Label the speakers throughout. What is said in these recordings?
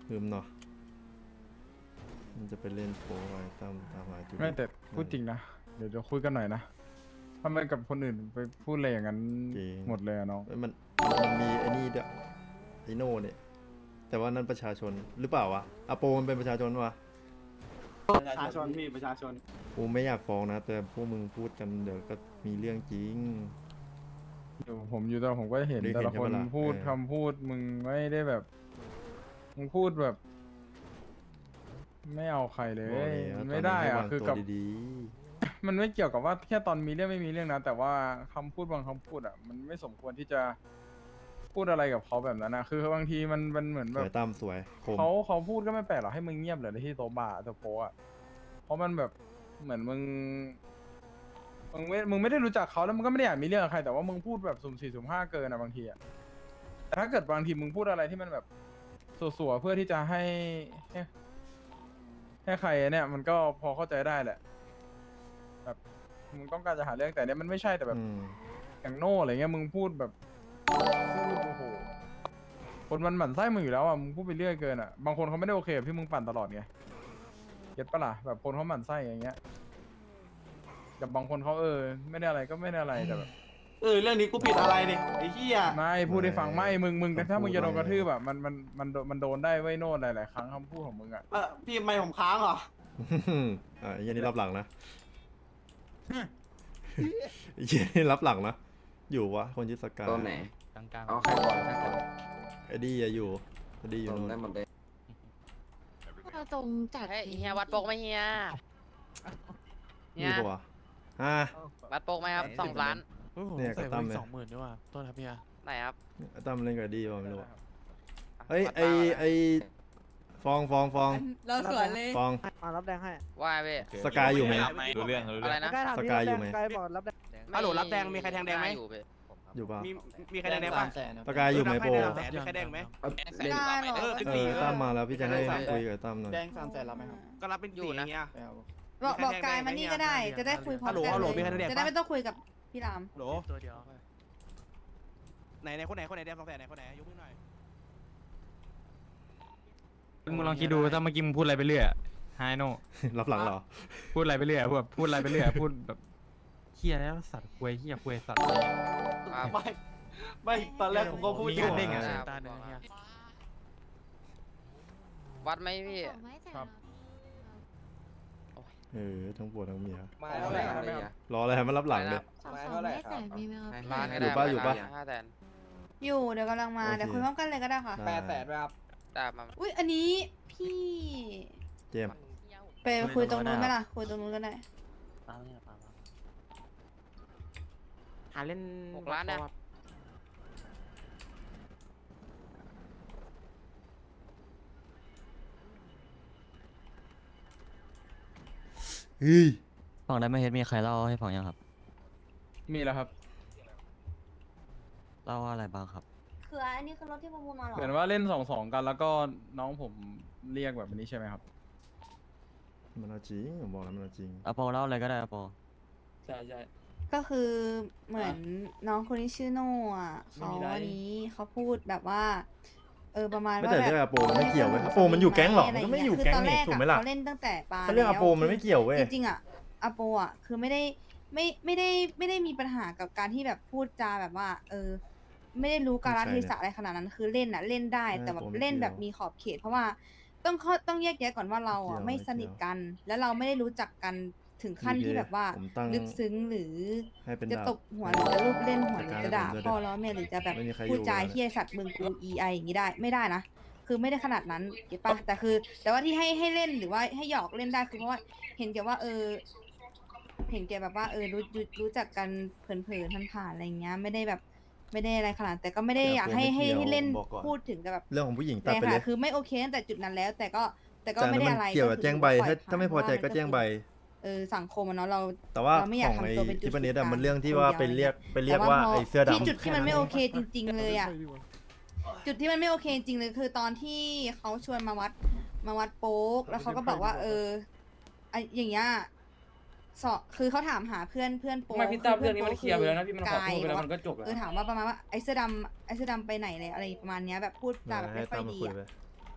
Speaker 1: ลืมเนาะมันจะไปเล่นโปรไอ้ตั้มตามหาจุด
Speaker 2: ไม่แต่พูดจริงนะเดี๋ยวจะคุยกันหน่อยนะทำไมกับคนอื่นไปพูดอะไรอย่างนั้นหมดเลยอะน้อง
Speaker 1: เอ้ยมันมีไอ้นี่ด้วยไอโน่เนี่ยแต่ว่านั่นประชาชนหรือเปล่าวะอาโปมันเป็นประชาชนวะ
Speaker 3: ประชาชนพี่ประชาชน
Speaker 1: กูไม่อยากฟ้องนะแต่พวกมึงพูดกันเดี๋ยวก็มีเรื่องจริง
Speaker 2: ผมอยู่แต่ผมก็เห็น
Speaker 1: ได้
Speaker 2: แต่
Speaker 1: เห็น
Speaker 2: ละคน
Speaker 1: ใช่ปะล่ะ
Speaker 2: พูด
Speaker 1: เออ
Speaker 2: คำพูดมึงไม่ได้แบบมึงพูดแบบ ไม่เอาใครเลย
Speaker 1: บอกแล้ว
Speaker 2: มัน
Speaker 1: ต
Speaker 2: ไม่
Speaker 1: น
Speaker 2: ได้
Speaker 1: นั้นให้
Speaker 2: อะ
Speaker 1: วาง
Speaker 2: คือ
Speaker 1: ตัว
Speaker 2: กับ
Speaker 1: ดี
Speaker 2: มันไม่เกี่ยวกับว่าแค่ตอนมีเรื่องไม่มีเรื่องนะ แต่ว่าคำพูดบางคำพูดอ่ะ มันไม่สมควรที่จะพูดอะไรกับเขาแบบนั้นนะคือบางทีมันเหมือน
Speaker 1: ๆส
Speaker 2: แบบ
Speaker 1: วยตั้มสวยคม
Speaker 2: เขาพูดก็ไม่แปลกหรอกให้มึงเงียบเลยที่โต๊ะบาร์โต๊ะโป๊ะอ่ะเพราะมันแบบเหมือนมึงไม่ได้รู้จักเขาแล้วมึงก็ไม่ได้อยากมีเรื่องกับใครแต่ว่ามึงพูดแบบสุ่มสี่สุ่มห้าเกินอะบางทีอะแต่ถ้าเกิดบางทีมึงพูดอะไรที่มันแบบสัวๆเพื่อที่จะให้ใครเนี่ยมันก็พอเข้าใจได้แหละแบบมึงต้องการจะหาเรื่องแต่เนี่ยมันไม่ใช่แต่แบบ
Speaker 1: อืม
Speaker 2: อย่างโน่อะไรเงี้ยมึงพูดแบบพูดโอ้โหคนมันหมั่นไส้มึงอยู่แล้วอ่ะมึงพูดไปเรื่อยเกินอ่ะบางคนเขาไม่ได้โอเคกับที่มึงปั่นตลอดไงเก็ตปะล่ะแบบคนเขาหมั่นไส้อย่างเงี้ยแต่บางคนเขาไม่ได้อะไรก็ไม่ได้อะไรแต่แบบ
Speaker 3: เรื่องนี้กูผิดอะไรเนี่ยไอ้เหี้ย
Speaker 2: ไม่พูดให้ฟังไม่มึงถ้ามึงจะโดนกระทืบแบบมันโดนได้ไว้โน่นหลายๆครั้งคำพูดของมึงอ่ะ
Speaker 3: พี่ไม่ผมค้างเหรอ
Speaker 1: อ่ะไอ้เหี้ยันนี่รับหลังนะไอ้เหี้ยันนี่รับหลังนะอยู่วะคนชื่อสกาย
Speaker 4: ตัวไหน
Speaker 5: กลางๆ
Speaker 4: เอาใครก่อนใครก่อน
Speaker 1: ไอ้ดี้อะอยู่ไอ้ดี้อยู่
Speaker 4: ผม
Speaker 1: นู่น
Speaker 4: ได้หมดเลย
Speaker 6: เราตรงจัด
Speaker 7: เฮ้ยเฮียวัดโปกไหมเฮีย
Speaker 1: อยู่ปะวะอ่ะ
Speaker 7: วัดโปกไหมครับ2 ล้าน
Speaker 1: เนี่ยกับตั้มเนี่ย
Speaker 5: 20,000ด้วยว่ะต้นครับเฮีย
Speaker 7: ไหนครับ
Speaker 1: ไอ้ตั้มเล่นกับไอ้ดี้วะไม่รู้อะเฮ้ย
Speaker 7: วัด
Speaker 1: ไอฟอง
Speaker 6: เราสวนเลย
Speaker 1: ฟอง
Speaker 8: มารับแดงให้
Speaker 7: ว่าเว้ย
Speaker 1: สกายอยู่ไหม
Speaker 5: รู้เรื่อง
Speaker 7: อะไรนะ
Speaker 8: ใกล้ถาม
Speaker 1: ส
Speaker 8: พี่
Speaker 1: กาย
Speaker 8: รับ
Speaker 1: อยู่ไหม
Speaker 8: แดงสกายบอกรับแดง
Speaker 3: ฮัลโหลรับแดงมีใครแทงแดงไหม
Speaker 7: อยู่เว้ย
Speaker 1: อยู่ปะ
Speaker 3: มีใครแดงป่ะ
Speaker 1: สกายอยู่ไหมโป
Speaker 3: แสนมีใครแดงไหม
Speaker 6: ไม่ได้หรอ
Speaker 1: ตั้มมาแล้วพี่จะให้คุยกับตั้มหน่อย
Speaker 8: แดง300,000รับไหมครับ
Speaker 3: ก็รับเป็นสี่อย่างเงี้ย
Speaker 6: บอกกายมานี่ก็ได้ จะได้คุยพร้อมกัน
Speaker 3: ฮัลโหล
Speaker 6: เล
Speaker 3: มีใครแด
Speaker 6: ย
Speaker 3: งปะ
Speaker 6: จะได้ไม่ต้องคุยกับพี่ราม
Speaker 3: โหล
Speaker 5: ตัวเดียว
Speaker 3: ไหนคนไหนแดง200,000ไหนคนไหนยกมือหน่อย
Speaker 2: มึงลองคิดดูถ้าเมื่อกี้มึงพูดอะไรไปเรื่อยไฮโน่
Speaker 1: รับหลังเหรอ
Speaker 2: พูดอะไรไปเรื่อยแบบพูดอะไรไปเรื่อยพูดแบบเฮียแล้วสัตว์ควยเฮียควยสัตว์
Speaker 7: ครับ
Speaker 3: ไม่ตอนแรกผมก็พูด
Speaker 2: มี
Speaker 3: อยู่
Speaker 2: การเด้งอะ
Speaker 7: ครับ
Speaker 5: ตาหนึ่งเฮีย
Speaker 7: วัดไหมพี่
Speaker 2: ครับ
Speaker 1: ทั้งปวดทั้งเมีย
Speaker 4: มาเท่าไหร่ครับ
Speaker 1: รออะไรให้มันรับหลังเลย
Speaker 6: สองไม่แต่มีไหมครับ
Speaker 7: ล้านก็
Speaker 1: อยู่
Speaker 7: ได้
Speaker 1: ปะอยู่ปะ
Speaker 7: 500,000
Speaker 6: อยู่เดี๋ยวกำลังมา
Speaker 1: โอเค
Speaker 6: เดี๋ยวคุยพร้อมกันเลยก็ได้ค่ะ
Speaker 1: ได้
Speaker 4: 800,000ครับ
Speaker 7: ได้มา
Speaker 6: อุ้ยอันนี้พี่
Speaker 1: เจมส์
Speaker 6: ไปคุยตรงนู้นไหมล่ะคุยตรงนู้นก็ได้
Speaker 8: หาเล่น
Speaker 7: 6 ล้านนะ
Speaker 1: เฮ้ย
Speaker 9: ฝั่งได้ไม่เฮ็ดมีใครเล่าให้ฟังยังครับ
Speaker 2: มีแล้วครับ
Speaker 9: เล่าว่าอะไรบ้างครับ
Speaker 6: คืออันนี้คือรถที่ประมูลมาหรอ
Speaker 2: เหมือนว่าเล่น2-2กันแล้วก็น้องผมเรียกแบบนี้ใช่ไหมครับ
Speaker 1: มันเอาจริงผมบอกแล้วมันเอาจริง
Speaker 9: อโปเล่าอะไรก็ได้อโป
Speaker 6: ก็คือเหมือนน้องคนที่ชื่อโน่อะเขาอันนี้เขาพูดแบบว่าประมาณ
Speaker 1: ไม่
Speaker 6: ว่า
Speaker 1: แต่
Speaker 6: แบบ
Speaker 1: เรื่องอาโปมันไม่เกี่ยวเว้ยอาโปมันอยู่แก๊งหรอมันก็ไม่อยู่แก๊งนี่ถูกไหมล่ะ
Speaker 6: เขาเล่นตั้งแต่ปลา
Speaker 1: ถ้าเรื่องอาโปมันไม่เกี่ยวเว้ย
Speaker 6: จริงๆอะอาโปอะคือไม่ได้มีปัญหากับการที่แบบพูดจาแบบว่า ไม่ได้รู้กาลเทศะอะไรขนาดนั้นคือเล่นอะเล่นได้แต่แบบเล่นแบบมีขอบเขต เพราะว่าต้องแยกแยะก่อนว่าเราอะไม่สนิทกัน แล้วเราไม่ได้รู้จักกันถึงขั้นที่แบบว่า
Speaker 1: ผมตั้ง
Speaker 6: ลึกซึ้งหรือ
Speaker 1: ให้เป็น
Speaker 6: จะ
Speaker 1: ดา
Speaker 6: ต
Speaker 1: บบ
Speaker 6: หัวหรือจะลูบเล่นหัวหรือ
Speaker 1: จัดการ
Speaker 6: จะด่า
Speaker 1: ให้ผมด้วย
Speaker 6: พ่อล้อแม่หรือจะแบบ
Speaker 1: ไม่มีใคร
Speaker 6: พูดจา
Speaker 1: อยู่
Speaker 6: เฮี้ยสัตว์มึงกูไออย่างนี้ได้ไม่ได้นะคือไม่ได้ขนาดนั้นเก็ตปะแต่ว่าที่ให้เล่นหรือว่าให้หยอกเล่นได้คือเพราะว่าเห็นแกว่าเห็นแกแบบว่ารู้จักกันเผินๆผ่านๆอะไรเงี้ยไม่ได้แบบไม่ได้อะไรขนาดแต่ก็ไม่ได้อยากให้เล่นพูดถึงแต่แบบ
Speaker 1: เรื่องของผู้หญิงตั
Speaker 6: แต่
Speaker 1: ดไปเล
Speaker 6: ค่ะ
Speaker 1: ย
Speaker 6: คือไม่โอเคตั้งแต่จุดนั้นแล้ว แต่ก็
Speaker 1: แต่
Speaker 6: ไม่ได้
Speaker 1: มัน
Speaker 6: อะไร
Speaker 1: เกี่ยวกับ
Speaker 6: คือ
Speaker 1: แจ้งใบ
Speaker 6: ปล่อย
Speaker 1: ถ้าไม่พอใจก็แจ้งใบ
Speaker 6: สังคมอะเนาะเรา
Speaker 1: แต่ว่า
Speaker 6: เราไม่อยาก
Speaker 1: ของไอ้
Speaker 6: ทำตัวเป็นจุด
Speaker 1: ที่ประเด็น
Speaker 6: ศูนย์กลาง
Speaker 1: มันเรื่องที่ว่า
Speaker 6: คนเดียว
Speaker 1: ไปเรียกว่า
Speaker 6: แต่
Speaker 1: ไอ้เสื้อ
Speaker 6: ที่
Speaker 1: ดำ
Speaker 6: จุดที่มันไม่โอเคจริง ๆ เลยอ่ะ จุดที่มันไม่โอเคจริงเลยคือตอนที่เขาชวนมาวัดโป๊กแล้วเขาก็บอกว่าไออย่างเงี้ยคือเขาถามหาเพื่อนโป๊ก
Speaker 8: ไม่พี่ตั้มเรื่องนี้มันเคลียร์ไปแล้วนะพี่มันขอโทษไปแล้ว
Speaker 6: กาย
Speaker 8: มันก็จบแล้ว
Speaker 6: ถามว่าประมาณว่าไอเสื้อดำไปไหนเลยอะไรประมาณเนี้ยแบบพูดจาแบบไม่ค่อยดี
Speaker 1: ให้ตั้มมาคุย
Speaker 6: อะ
Speaker 1: ไป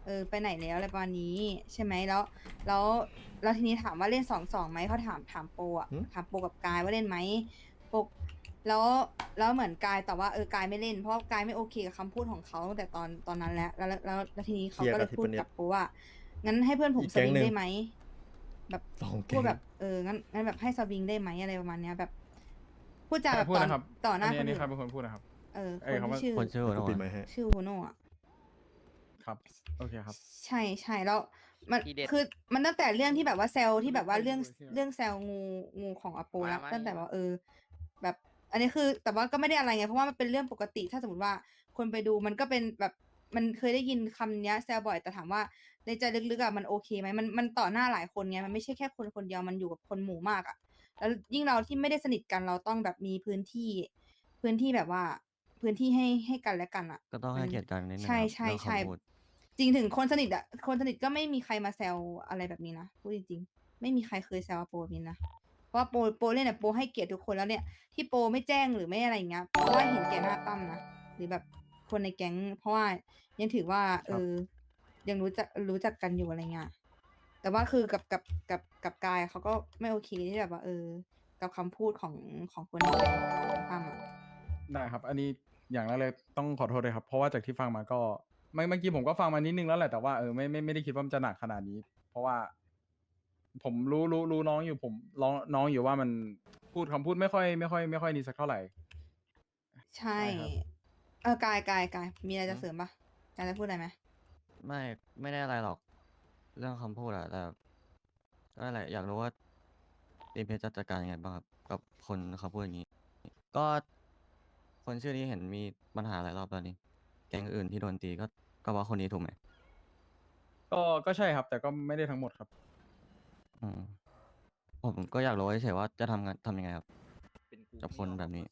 Speaker 6: ไปไหนแล้วอะไรประมาณนี้ใช่ไหมแล้วแล้วทีนี้ถามว่าเล่น2-2ไหมเขาถามโปอะถามโปกับกายว่าเล่นไหมโปแล้วแล้วเหมือนกายแต่ว่าเออกายไม่เล่นเพราะกายไม่โอเคกับคำพูดของเขาตั้งแต่ตอนนั้นแล้วทีนี้เขาก็เลยพูดกับโปว่างั้นให้เพื่อนผมสวิงได้ไหมแบบ
Speaker 1: สองแก๊
Speaker 6: พู
Speaker 1: ง
Speaker 6: ดแบบงั้นแบบให้สวิงได้ไหมอะไรประมาณเนี้ยแบบพูดจาแบบ
Speaker 2: พูดนะครับ
Speaker 6: ต่อหน้า
Speaker 2: อั
Speaker 6: คน
Speaker 2: นี้
Speaker 6: อื่
Speaker 2: ใคร
Speaker 6: น
Speaker 2: เป็นคนพูดนะครับ
Speaker 6: ค
Speaker 2: เอ้ย
Speaker 6: น
Speaker 2: คำว่า
Speaker 6: ที่ชื่อ
Speaker 9: คนชื่อ
Speaker 1: ก็
Speaker 9: โอ
Speaker 1: ปิด
Speaker 9: โนะ
Speaker 1: ไมค์ให้
Speaker 6: ชื่อโฮโน่อะ
Speaker 2: ครับโอเคครับ
Speaker 6: ใช่แล้วมัน
Speaker 7: ทีเด็ด
Speaker 6: คือมันตั้งแต่เรื่องที่แบบว่าแซลที่แบบว่าเรื่องแซลงูของอโปแล้ว
Speaker 7: มา
Speaker 6: ตั้งแต่ว่าแบบอันนี้คือแต่ว่าก็ไม่ได้อะไรไงเพราะว่ามันเป็นเรื่องปกติถ้าสมมติว่าคนไปดูมันก็เป็นแบบมันเคยได้ยินคำเนี้ยแซลบ่อยแต่ถามว่าในใจลึกๆอะมันโอเคไหมมันต่อหน้าหลายคนไงมันไม่ใช่แค่คนเดียวมันอยู่กับคนหมู่มากอะแล้วยิ่งเราที่ไม่ได้สนิทกันเราต้องแบบมีพื้นที่แบบว่าพื้นที่ให้กันและกันอะ
Speaker 9: ก็ต้องให้เกียรติกันนิดนึง
Speaker 6: ใช่
Speaker 9: ครับ
Speaker 6: ใช่
Speaker 9: เรื่อง
Speaker 6: ใช่
Speaker 9: คำพูด
Speaker 6: จริงถึงคนสนิทอะคนสนิทก็ไม่มีใครมาแซวอะไรแบบนี้นะพูดจริงๆไม่มีใครเคยแซวโปรแบบนี้นะเพราะว่าโปรเล่นเนี่ยโปรให้เกียรติทุกคนแล้วเนี่ยที่โปรไม่แจ้งหรือไม่อะไรอย่างเงี้ยเพราะว่าเห็นแก่หน้าตั้มนะหรือแบบคนในแก๊งเพราะว่ายังถือว่ายังรู้จักกันอยู่อะไรเงี้ยแต่ว่าคือกับกายเขาก็ไม่โอเคที่แบบว่ากับคำพูดของคนในแก๊งตั้มอะ
Speaker 2: ได้ครับ อันนี้อย่างแรกเลยต้องขอโทษเลยครับ เพราะว่าจากที่ฟังมาก็เมื่อกี้ผมก็ฟังมานิดนึงแล้วแหละแต่ว่าไม่ได้คิดว่ามันจะหนักขนาดนี้ เพราะว่า ผมรู้น้องอยู่ผมน้องอยู่ว่ามันพูดคำพูดไม่ค่อยดีสักเท่าไหร่
Speaker 6: ใช่
Speaker 2: ใช่ครับ
Speaker 6: กายมีอะไรจะเสริมปะกายจะพูดอะไรไหม
Speaker 9: ไม่ได้อะไรหรอก เรื่องคำพูดอะแต่ก็นั่นแหละอยากรู้ว่าดีเพชจะจัดการยังไงบ้างครับกับคนเขาพูดอย่างนี้ ก็คนชื่อนี้เห็นมีปัญหาหลายรอบแล้วนี่แก๊งอื่นที่โดนตีก็ว่าคนนี้ถูกไหม
Speaker 2: ก็ใช่ครับ แต่ก็ไม่ได้ทั้งหมดครับ
Speaker 9: อืมผมก็อยากรู้เฉยๆว่าจะทำยังไงครับ กับคนแบบนี้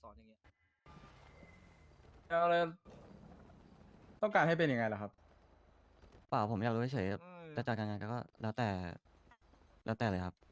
Speaker 2: แล้วต้องการให้เป็นยังไงล่ะครับ
Speaker 9: เปล่าผมอยากรู้เฉยๆจะจัดการยังไงก็แล้วแต่เลยครับ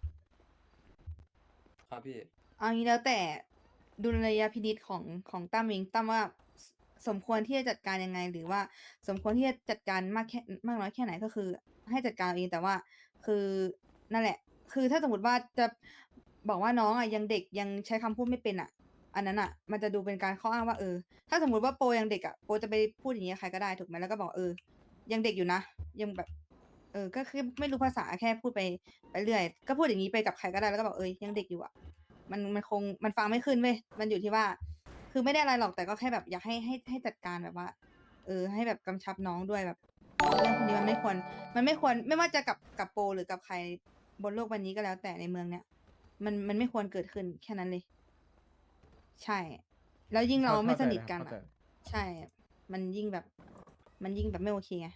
Speaker 8: ครับพี่
Speaker 6: เอางี้แล้วแต่ดุลยพินิจของตั้มเองตั้มว่าสมควรที่จะจัดการยังไง หรือว่าสมควรที่จะจัดการมากน้อยแค่ไหนก็คือ ให้จัดการเอาเองแต่ว่าคือนั่นแหละ คือถ้าสมมติว่าจะบอกว่าน้องอ่ะยังเด็กยังใช้คำพูดไม่เป็นอ่ะ อันนั้นอ่ะ มันจะดูเป็นการข้ออ้างว่าถ้าสมมติว่าโปรยังเด็กอ่ะโปรจะไปพูดอย่างเงี้ยใครก็ได้ถูกไหมแล้วก็บอกยังเด็กอยู่นะยังแบบ ก็คือไม่รู้ภาษาแค่พูดไปเรื่อย ก็พูดอย่างนี้ไปกับใครก็ได้แล้วก็บอกยังเด็กอยู่อ่ะ มันฟังไม่ขึ้นเว้ยมันอยู่ที่ว่า คือไม่ได้อะไรหรอกแต่ก็แค่แบบอยากให้จัดการแบบว่า ให้แบบกำชับน้องด้วยแบบเรื่องพวกนี้มันไม่ควรไม่ว่าจะกับโปรหรือกับใครบนโลกใบนี้ก็แล้วแต่ในเมืองเนี้ยมันไม่ควรเกิดขึ้นแค่นั้นเลย ใช่ แล้วยิ่งเราไม่สนิทกัน
Speaker 2: เข้าใจ
Speaker 6: อ่ะ ใช่ มันยิ่งแบบไม่โอเคไง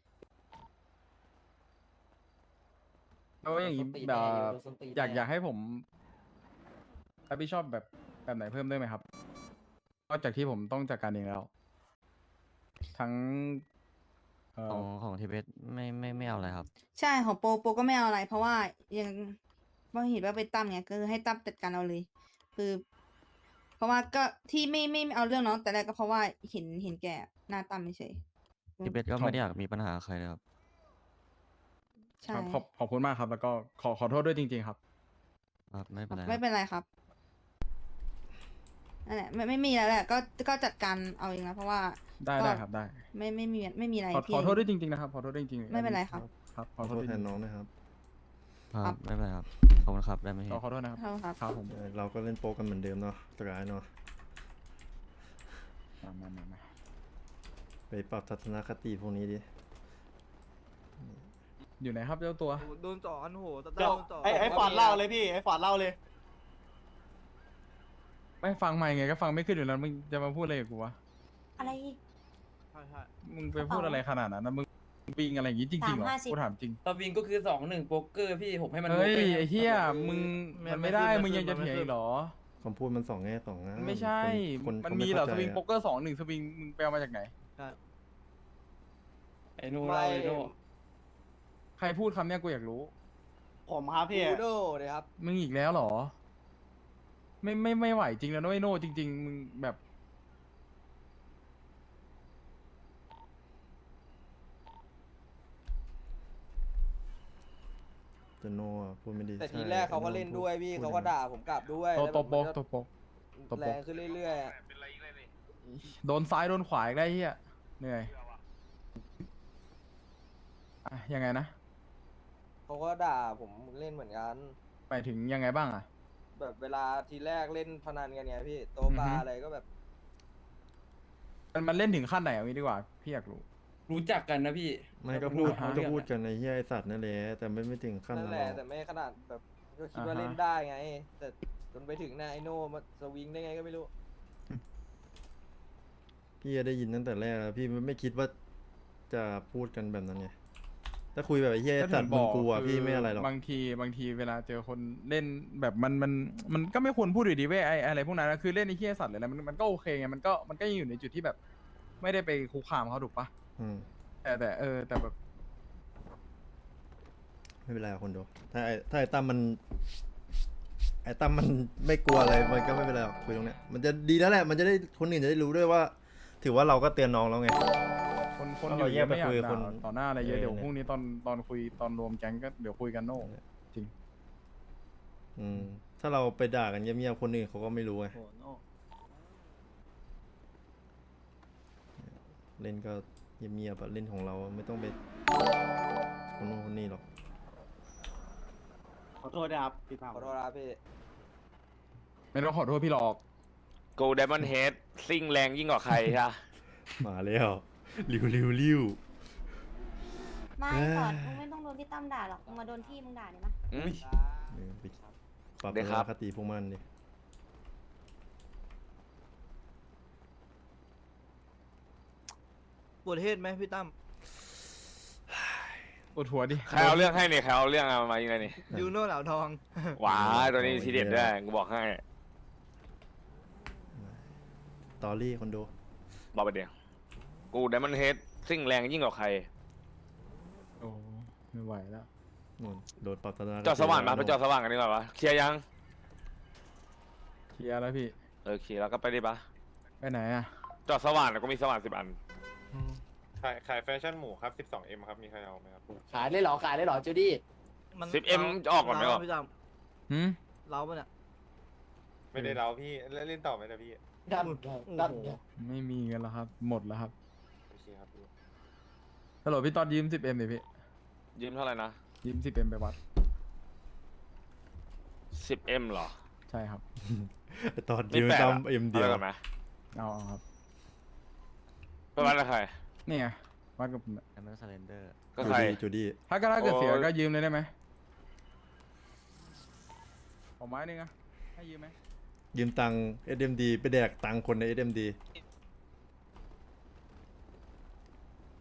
Speaker 2: แล้วอย่างนี้
Speaker 8: โดนส้นตีน
Speaker 2: แบบ
Speaker 8: แน่อยู่โดนส้นตีนแน่
Speaker 2: อยากให้ผมรับผิดชอบแบบไหนเพิ่มได้ไหมครับนอกจากที่ผมต้องจัดการเองแล้ว ทั้ง
Speaker 9: ของทีเพชไม่เอาอะไรครับ
Speaker 6: ใช่ของโปก็ไม่เอาอะไร เพราะว่ายังว่าเห็นว่าไปตั้มไงก็คือให้ตั้มจัดการเอาเลย คือ เพราะว่าก็ที่ไม่เอาเรื่องน้องแต่แรกก็เพราะว่าเห็นแก่หน้าตั้มเฉย
Speaker 9: ทีเพชก็ไม่ได้อยากมีปัญหากับใครเลยครับ
Speaker 6: ใช่
Speaker 2: ครับขอบคุณมากครับ แล้วก็ขอโทษด้วยจริง ๆ ครับ
Speaker 9: ครับไม่เป็นไร
Speaker 6: ไม่
Speaker 9: ครับ
Speaker 6: เป็นไรครับนั่นแหละไม่มีแล้วแหละก็จัดการเอาเองนะเพราะว่า
Speaker 2: ได้
Speaker 6: ก็
Speaker 2: ครับได้
Speaker 6: ไม่มีอะไร
Speaker 2: ขอ
Speaker 6: ที่
Speaker 2: โทษด้วยจริงๆนะครับขอโทษด้วยจริงๆ
Speaker 6: ไม่เป็นไรครับ
Speaker 2: ครับข
Speaker 1: ข
Speaker 2: อ
Speaker 1: อ
Speaker 2: โท
Speaker 1: โท
Speaker 2: ษ
Speaker 1: ษ
Speaker 2: จ
Speaker 1: แท
Speaker 2: ริ
Speaker 1: น
Speaker 2: ง
Speaker 1: น้องนะครับ
Speaker 9: ครับไม่เป็นไรครับขอบคุณครับได้ไหม
Speaker 2: ๆขอโทษนะครับ
Speaker 6: ครับ
Speaker 2: ครับผม
Speaker 1: เราก็เล่นโป๊กกันเหมือนเดิมเนาะสกายเนาะ
Speaker 2: มา
Speaker 1: ไปปรับทัศนคติพวกนี้ดิ
Speaker 2: อยู่ไหนครับเจ้าตัว
Speaker 3: โดนจ่ออันโหตะ
Speaker 8: เดี๋ยว
Speaker 3: โดนจ่อ
Speaker 8: ไอ้ฟอร์ดเล่าเลยพี่ไอ้ฟอร์ดเล่าเลย
Speaker 2: ไม่ฟังใหม่ไงก็ฟังไม่ขึ้นอยู่แล้วมึงจะมาพูดอะไรกับกูวะ
Speaker 6: อะไร
Speaker 3: ใช่ใช่
Speaker 2: มึงไปพูดอะไรขนาดนั้นนะมึงปิงอะไรอย่างงี้จริงๆเหรอ
Speaker 6: 350
Speaker 2: กูถามจริง
Speaker 8: ตอวินก็คือ2-1โป๊กเกอร์พี่ผมให้มัน
Speaker 2: เฮ้ย
Speaker 8: รู้ป
Speaker 2: ไอ้เหี้ยมึงมันไม่ได้มึงยังจะเถียงอีกเหรอ
Speaker 1: คำพูดมันสองแง่สองงาม
Speaker 2: ไม่ใช่
Speaker 1: คน
Speaker 2: มัน
Speaker 1: ขา
Speaker 2: มี
Speaker 1: ไ
Speaker 2: เหรอส
Speaker 1: ข้าใจ
Speaker 2: วิงโป๊กเกอร์2-1สวิงมึงไปเอามาจากไหน
Speaker 8: ไอ้โน่เล่าเลยโน่
Speaker 2: ใครพูดคำเนี้ยกูอยากรู้
Speaker 8: ผมครับพี่
Speaker 3: โดเลยครับ
Speaker 2: มึงอีกแล้วเหรอ ไม่ไหวจริงแล้วนะไอ้โน่จริง ๆ มึงแบบ
Speaker 1: จะโน่อะพูดไม่ดี
Speaker 3: แต่
Speaker 1: ใช่
Speaker 3: ทีแรกเขาก็เล่นด้วยพี่
Speaker 1: พู
Speaker 3: เขาก็ด่าผมกลับด้วย
Speaker 2: โต
Speaker 3: แล้ว
Speaker 2: โต
Speaker 3: แบบ
Speaker 2: โป
Speaker 3: มัน
Speaker 2: ก
Speaker 3: ก็
Speaker 2: โตโปก ตบ
Speaker 3: แรงขึ้นเรื่อยๆอะ
Speaker 2: โดนซ้ายโดนขวาอีกได้เฮียเหนื่อยอ่ะยังไงนะ
Speaker 3: เขาก็ด่าผมเล่นเหมือนกัน
Speaker 2: ไปถึงยังไงบ้างอ่ะ
Speaker 3: แบบเวลาทีแรกเล่นพนันกันไงพี่โตะ
Speaker 2: อือฮึ
Speaker 3: ปลาอะไรก็แบบ
Speaker 2: มันเล่นถึงขั้นไหนเอางี้ดีกว่าพี่อยากรู้
Speaker 8: รู้จักกันนะพี่
Speaker 1: ไม่ก็พูด
Speaker 2: อ่าฮะ
Speaker 1: ก็พูดกันในเฮียไอสัตว์นั่นแหละแต่ไม่ถึงขั้น
Speaker 3: นั่น
Speaker 1: นั้น
Speaker 3: แห
Speaker 1: หร
Speaker 3: ละ
Speaker 1: อก
Speaker 3: แต่ไม่ขนาดแบบก็คิด
Speaker 2: อ่า
Speaker 3: ว่า
Speaker 2: ฮะ
Speaker 3: เล่นได้ไง แต่จนไปถึงหน้าไอโน่มาสวิงได้ไงก็ไม่รู้
Speaker 1: พี่ได้ยินตั้งแต่แรกแล้วพี่ไม่คิดว่าจะพูดกันแบบนั้นไงถ้าคุยแบบไอ้เฮียไอ้
Speaker 2: ก็
Speaker 1: สั
Speaker 2: ถึ
Speaker 1: ต
Speaker 2: ง
Speaker 1: ว์มึงกลัว
Speaker 2: คื
Speaker 1: พี่ไม่อะไรหรอก
Speaker 2: บางทีเวลาเจอคนเล่นแบบมันก็ไม่ควรพูดอยู่ดีเว้ยอะไรพวกนั้นนะคือเล่นไอ้เหี้ยสัตว์เลยนะมันก็โอเคไงมันก็ยังอยู่ในจุดที่แบบ ไม่ได้ไปคุกคามเขาถูกปะ
Speaker 1: อืม
Speaker 2: แต่แบบ
Speaker 1: ไม่เป็นไรหรอกคนดูถ้าไอ้ตั้มมันไม่กลัวอะไรมันก็ไม่เป็นไรหรอกคุยตรงเนี้ยมันจะดีแล้วแหละมันจะได้คนอื่นจะได้รู้ด้วยว่า ถือว่าเราก็เตือนน้องแล้วไง
Speaker 2: คน
Speaker 1: ถ้า
Speaker 2: อ
Speaker 1: เรา
Speaker 2: ยู่เยอะไม่อยาก
Speaker 1: แยกไปคุยกับ
Speaker 2: ด่า
Speaker 1: คน
Speaker 2: ต่อหน้าอะไรเยอะ
Speaker 1: เออ
Speaker 2: เดี๋ยว
Speaker 1: เนี่ย
Speaker 2: พรุ่งนี้ตอนคุยตอนรวมแก๊งก็เดี๋ยวคุยกันโน่จริง
Speaker 1: อืมถ้าเราไปด่ากันเงียบๆคนอื่นเขาก็ไม่รู้ไงเล่นก็เงียบๆอะเล่นของเราไม่ต้องไปคนนู้นคนนี้หรอก
Speaker 8: ขอโทษนะครับพี่พา
Speaker 3: ขอโทษนะพี่
Speaker 2: ไม่ต้องขอโทษพี่หรอก
Speaker 4: กูไดมอนเฮดซิ่งแรงยิ่งกว่าใครใช่
Speaker 1: มาแล้วริว
Speaker 6: ไม่
Speaker 1: เอ้ย
Speaker 6: ก่อนมึงไม่ต้องโดนพี่ตั้มด่าหรอกมึงมาโดนพี่มึงด่าเนี่ยมั้ย
Speaker 4: อืม
Speaker 1: ไปปรับ
Speaker 4: เดี๋
Speaker 1: ทั
Speaker 4: ยว
Speaker 1: ศ
Speaker 4: ครั
Speaker 1: น
Speaker 4: บ
Speaker 1: คติพวกมันดิ
Speaker 3: ปวดเทศไหมพี่ตั้ม
Speaker 2: ปวดหัวดิ
Speaker 4: ใครเอาเรื่องให้เนี่ยใครเอาเรื่องเอามายิงเลยนี่
Speaker 3: ยูโน่เหลาทอง
Speaker 4: หว้ายตัวนี้ทีเด็ดด้วยกูบอกให้
Speaker 1: ตอรี่คนดู
Speaker 4: บอกไปเดี๋ยวกูไดมอนเฮดซิ่งแรงยิ่งกว่าใคร
Speaker 2: โอ้ไม่ไหวแล้ว
Speaker 1: นู่นโดนปรับทัศนคติ
Speaker 4: จอดสว่างมาไปจอดสว่างกันดีกว่าวะเคลียร์ยัง
Speaker 2: เคลียร์แล้วพี่
Speaker 4: เคลียร์แล้วก็ไปดิปะ
Speaker 2: ไปไหนอ่ะ
Speaker 4: จอดสว่างแล้วก็มีสว่าง10 อัน
Speaker 5: ขายแฟชั่นหมูครับ 12M ครับ มีใครเอาไหมครับ
Speaker 8: ขายได้เหรอจูดี้
Speaker 4: 10M จะออกก่อนไหมวะ
Speaker 3: พี่ตั้ม
Speaker 2: หืม
Speaker 3: เราปะเนี่ย
Speaker 5: ไม่ได้เราพี่ เล่นต่อไหมนะพี่
Speaker 8: ดัน
Speaker 2: ไม่มีเงินแล้วครับ หมดแล้วครับ
Speaker 5: โอเคครับพี่
Speaker 2: ฮัลโหลพี่ตอนยืม 10M ดิพี่
Speaker 4: ยืมเท่าไหร่นะ
Speaker 2: ยืม 10M ไปวัด
Speaker 4: 10M เหรอ
Speaker 2: ใช่ครับ
Speaker 1: ตอน
Speaker 4: ไม่
Speaker 1: ยืม
Speaker 4: แปลก
Speaker 1: ตั้
Speaker 4: อะ
Speaker 1: มเอ็มเดียว
Speaker 4: อาไปก่อนไหม
Speaker 2: เอาครับ
Speaker 4: ไปวัดกับใคร
Speaker 2: นี่ไงวัดกับผมเนี่ย
Speaker 9: แอมเบอร์ซาเลนเดอร์
Speaker 4: ก็ใคร
Speaker 1: จูดี้
Speaker 2: ถ้าเกิดเสีย
Speaker 4: โอ้ย
Speaker 2: ก็ยืมเลยได้ไหมขอไม้หนึงอะให้ยืมไหม
Speaker 1: ยืมตังค์ SMD ไปแดกตังค์คนใน SMD